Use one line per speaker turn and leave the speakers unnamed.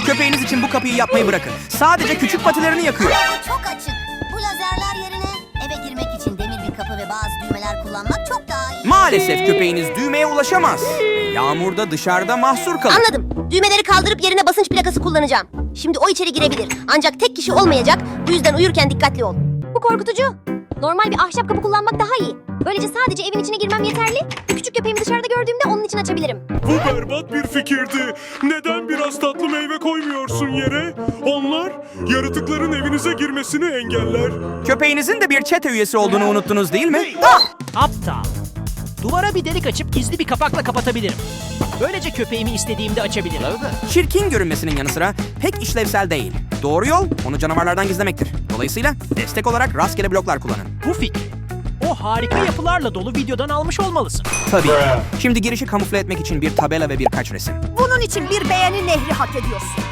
Köpeğiniz için bu kapıyı yapmayı bırakın. Sadece küçük patilerini yakıyor.
Ama bu çok açık. Bu lazerler yerine eve girmek için demir bir kapı ve bazı düğmeler kullanmak çok daha iyi.
Maalesef köpeğiniz düğmeye ulaşamaz. Yağmurda dışarıda mahsur kalır.
Anladım. Düğmeleri kaldırıp yerine basınç plakası kullanacağım. Şimdi o içeri girebilir. Ancak tek kişi olmayacak. Bu yüzden uyurken dikkatli ol.
Bu korkutucu. Normal bir ahşap kapı kullanmak daha iyi. Böylece sadece evin içine girmem yeterli. Küçük köpeğimi dışarıda gördüğümde onun için açabilirim.
Bu berbat bir fikirdi. Neden biraz tatlı meyve koymuyorsun yere? Onlar yaratıkların evinize girmesini engeller.
Köpeğinizin de bir çete üyesi olduğunu unuttunuz değil mi?
Aptal. Duvara bir delik açıp gizli bir kapakla kapatabilirim. Böylece köpeğimi istediğimde açabilirim.
Çirkin görünmesinin yanı sıra pek işlevsel değil. Doğru yol onu canavarlardan gizlemektir. Dolayısıyla destek olarak rastgele bloklar kullanın.
Bu fikri o harika yapılarla dolu videodan almış olmalısın.
Tabii. Şimdi girişi kamufle etmek için bir tabela ve birkaç resim.
Bunun için bir beğeni nehri hak ediyorsun.